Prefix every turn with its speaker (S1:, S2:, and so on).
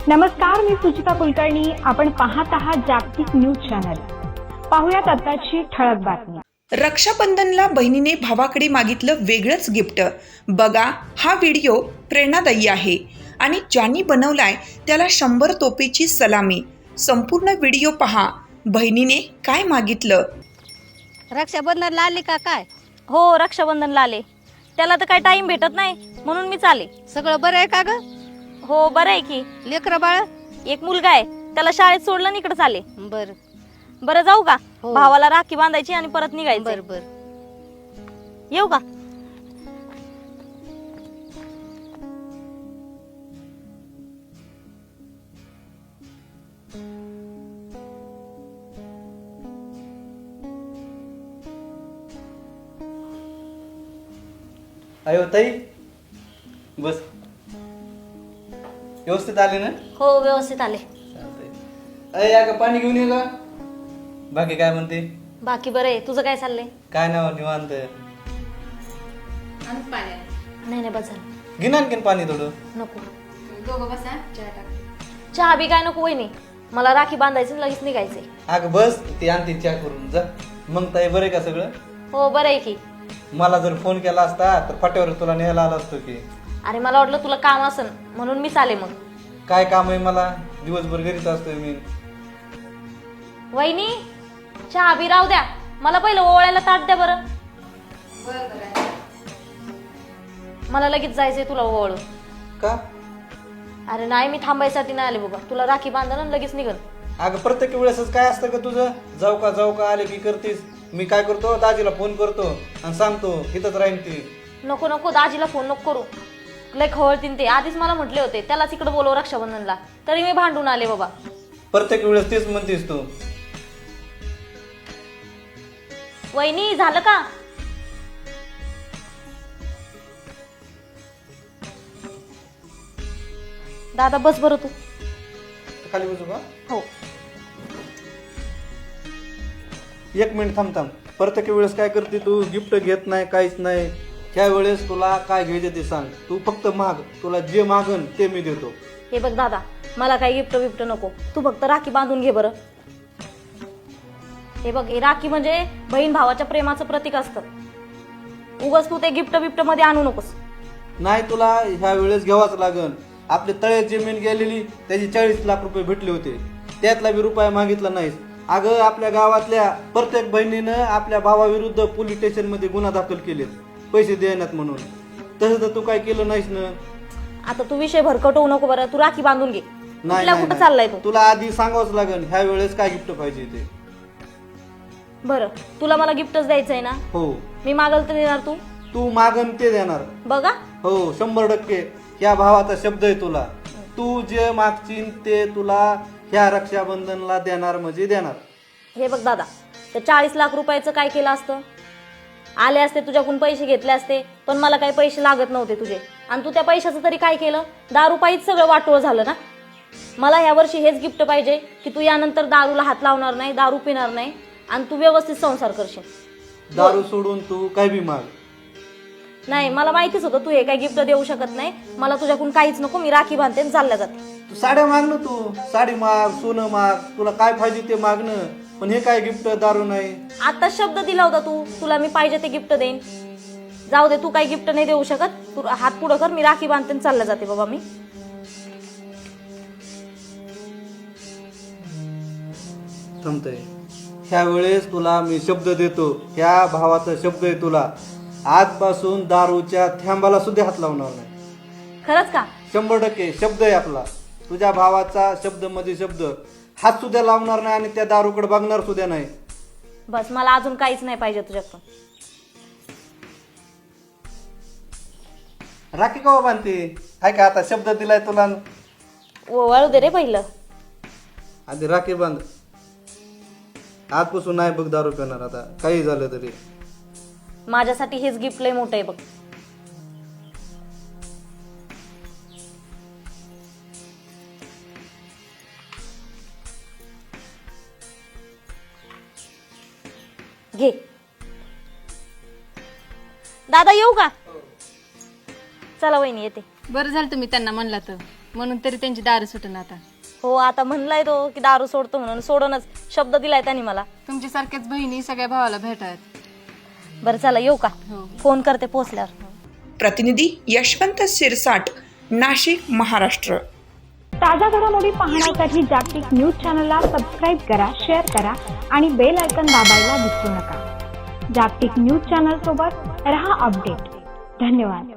S1: नमस्कार, मी सुचिता कुलकर्णी. आपण पाहत आहात जागतिक न्यूज चॅनल. पाहुयात आताची ठळक बातमी.
S2: रक्षाबंधनला बहिणीने भावाकडे मागितलं वेगळंच गिफ्ट. बघा, हा व्हिडिओ प्रेरणादायी आहे आणि ज्यांनी बनवलाय त्याला 100 तोपेची सलामी. संपूर्ण व्हिडिओ पहा. बहिणीने काय मागितलं?
S3: रक्षाबंधनला आले का काय?
S4: हो, रक्षाबंधनला आले. त्याला तर काही टाइम भेटत नाही म्हणून मी चाले.
S3: सगळं बरं आहे का ग?
S4: हो, बरं आहे की.
S3: लेकरं बाळ?
S4: एक मुलगा आहे, त्याला शाळेत सोडलं आणि इकडे चाले.
S3: बर
S4: बरं, जाऊ का?
S3: हो.
S4: भावाला राखी बांधायची आणि परत निघायचं.
S3: बर बर.
S4: येऊ का?
S5: अयो ताई, बस. व्यवस्थित आले ना?
S4: हो, व्यवस्थित आले.
S5: चालतंय. अय का पाणी घेऊन ये का? बाकी काय म्हणते?
S4: बाकी बरं आहे. तुझं काय चाललंय?
S5: काय नाव निवांत.
S4: नाही नाही, बस झालं.
S5: घे ना आणखीन पाणी थोडं.
S4: नको. चहा बी काय नको वहिनी. मला राखी बांधायची आणि लगेच निघायचंय.
S5: अगं बस, ती आणते चहा करून जा. मग ताई बरं आहे का सगळं?
S4: हो, बरं आहे की.
S5: मला जर फोन केला असता तर फाट्यावर तुला न्यायला आला असतो की.
S4: अरे, मला वाटलं तुला काम असन म्हणून मी चाले. मग
S5: काय काम आहे मला? दिवसभर घरीच असतोय मी.
S4: वहिनी, चहा बी राहू द्या. मला पहिलं ओवाळायला ताट द्या बरं. मला लगेच जायचंय तुला ओवाळू.
S5: का?
S4: अरे नाही, मी थांबायसाठी नाही आले बाबा. तुला राखी बांधणं आणि लगेच निघल.
S5: अगं प्रत्येक वेळेसच काय असतं का तुझं? जाऊ का आले की करतीस. मी काय करतो, दाजीला फोन करतो आणि सांगतो इथंच राहीन ती.
S4: नको नको, दाजीला फोन नको करू. लय खवळतीन ते. आधीच मला म्हटले होते त्यालाच इकडे बोलव रक्षाबंधनला, तरी मी भांडून आले बाबा.
S5: प्रत्येक वेळेस तेच म्हणतेस तू.
S4: वहिनी, झालं का? दादा बस बरं तू.
S5: खाली बसू का?
S4: हो.
S5: 1 मिनिट थांब. प्रत्येक वेळेस काय करते तू? गिफ्ट घेत नाही, काहीच नाही. ह्या वेळेस तुला काय घ्यायचं ते सांग. तू फक्त माग, तुला जे मागन ते मी देतो.
S4: हे बघ दादा, मला काही गिफ्ट बिफ्ट नको. तू फक्त राखी बांधून घे बरं. हे बघ, हे राखी म्हणजे बहीण भावाच्या प्रेमाचं प्रतीक असतं. उगाच तू ते गिफ्ट बिफ्ट मध्ये आणू नकोस.
S5: नाही, तुला ह्या वेळेस घ्यावाच लागन. आपले तळ्यात जमीन गेलेली त्याची 40 लाख रुपये भेटले होते, त्यातला बी रुपया मागितला नाहीस. अगं, आपल्या गावातल्या प्रत्येक बहिणीनं आपल्या भावाविरुद्ध पोलीस स्टेशन मध्ये गुन्हा दाखल केलेत पैसे देण्यात म्हणून. तसं तर तू काय केलं नाहीस ना.
S4: आता तू विषय भरकट होऊ नको बरं. तू राखी बांधून घे.
S5: नाही,
S4: कुठं चाललाय तू?
S5: तुला आधी सांगावंच लागेल ह्या वेळेस काय गिफ्ट पाहिजे ते.
S4: बरं, तुला मला गिफ्टच द्यायचंय ना?
S5: हो.
S4: मी मागल तर देणार तू?
S5: तू मागन ते देणार.
S4: बघा.
S5: हो, 100% ह्या भावाचा शब्द आहे तुला. तू जे मागशील ते तुला ह्या रक्षाबंधनला देणार म्हणजे देणार.
S4: हे बघ दादा, तर 40 लाख रुपयाचं काय केलं असतं? आले असते तुझ्याकडून पैसे घेतले असते, पण मला काही पैसे लागत नव्हते तुझे. आणि तू त्या पैशाचं तरी काय केलं? दारू पायीच सगळं वाटोळ झालं ना. मला ह्या वर्षी हेच गिफ्ट पाहिजे की तू यानंतर दारूला हात लावणार नाही, दारू पिणार नाही आणि तू व्यवस्थित संसार करशील.
S5: दारू सोडून तू काय बी माग.
S4: नाही, मला माहितीच होतं तू हे काही गिफ्ट देऊ शकत नाही. मला तुझ्याकडून काहीच नको. मी राखी बांधते आणि चालल्या जाते.
S5: तू साड्या माग ना. तू साडी माग, सोनं माग, तुला काय पाहिजे ते मागणं. पण हे काय गिफ्ट? दारू नाही.
S4: आता शब्द दिला होता तू, तुला मी पाहिजे ते गिफ्ट देईन. जाऊ दे, तू काही गिफ्ट नाही देऊ शकत. तू हात पुढं कर. मी राखी बांधते आणि चालल्या जाते बाबा मी.
S5: थांबतय. ह्या वेळेस तुला मी शब्द देतो. ह्या भावाचा शब्द आहे तुला. आजपासून दारूच्या थेंबाला सुद्धा हात लावणार नाही.
S4: खरंच का?
S5: 100% शब्द आहे आपला. तुझ्या भावाचा शब्द मध्ये शब्द. हात सुद्धा लावणार नाही आणि त्या दारूकडे बघणार सुद्धा नाही.
S4: बस, मला अजून काहीच नाही पाहिजे तुझ्याकडून.
S5: राखी का बांधते? हाय का आता शब्द दिलाय तुला?
S4: वळू दे रे पहिलं.
S5: आधी राखी बांध. आजपासून नाही बघ दारू पिणार आता, काही झालं तरी.
S4: माझ्यासाठी हेच गिफ्ट लय मोठं आहे बघ. घे. दादा येऊ का? चला वहिनी येते.
S3: बरं झालं तुम्ही त्यांना म्हणला तर
S6: म्हणून तरी त्यांची दारू सुटून आता.
S4: हो, आता म्हणलाय तो की दारू सोडतो म्हणून, सोडूनच शब्द दिलाय त्यांनी मला.
S6: तुमच्यासारख्याच बहिणी सगळ्या भावाला भेटायत.
S4: बरं चला येऊ का?
S6: हो.
S4: फोन करते पोहोचल्यावर.
S2: प्रतिनिधी यशवंत सिरसाट, नाशिक, महाराष्ट्र.
S1: ताज्या घडामोडी पाहण्यासाठी जागतिक न्यूज चॅनलला सबस्क्राईब करा, शेअर करा आणि बेल आयकॉन दाबायला विसरू नका. जागतिक न्यूज चॅनल सोबत रहा अपडेट. धन्यवाद.